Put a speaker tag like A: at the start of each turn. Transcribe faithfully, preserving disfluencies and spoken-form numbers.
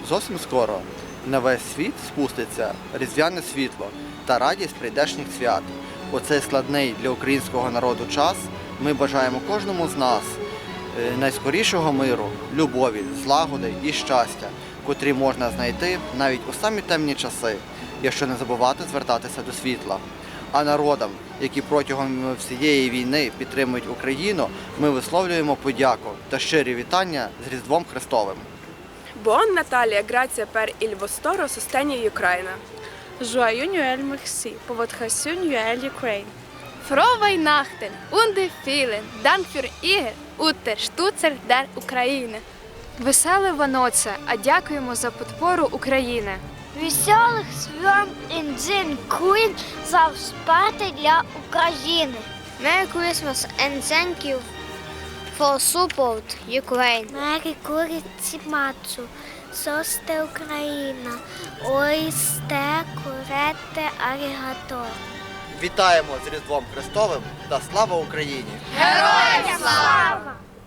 A: зовсім скоро на весь світ спуститься різдвяне світло та радість прийдешніх свят. У цей складний для українського народу час ми бажаємо кожному з нас найскорішого миру, любові, злагоди і щастя, котрі можна знайти навіть у самі темні часи, якщо не забувати звертатися до світла. А народам, які протягом всієї війни підтримують Україну, ми висловлюємо подяку та щирі вітання з Різдвом Христовим.
B: Buon Natale, grazie per il vostro sostegno in Ucraina.
C: Joyeux Noël, merci pour votre soutien à l'Ukraine.
D: Frohe Weihnachten und vielen Dank für Ihr Unterstützung der Ukraine.
E: Веселе Ваноце, а дякуємо за підпору України.
F: Веселих свят in den Queen за спати для України.
D: Merry Christmas and thank you for support Ukraine.
F: Merry Christmas, состе Україна, ой сте курете арігато.
A: Вітаємо з Різдвом Христовим та слава Україні!
D: Героям слава!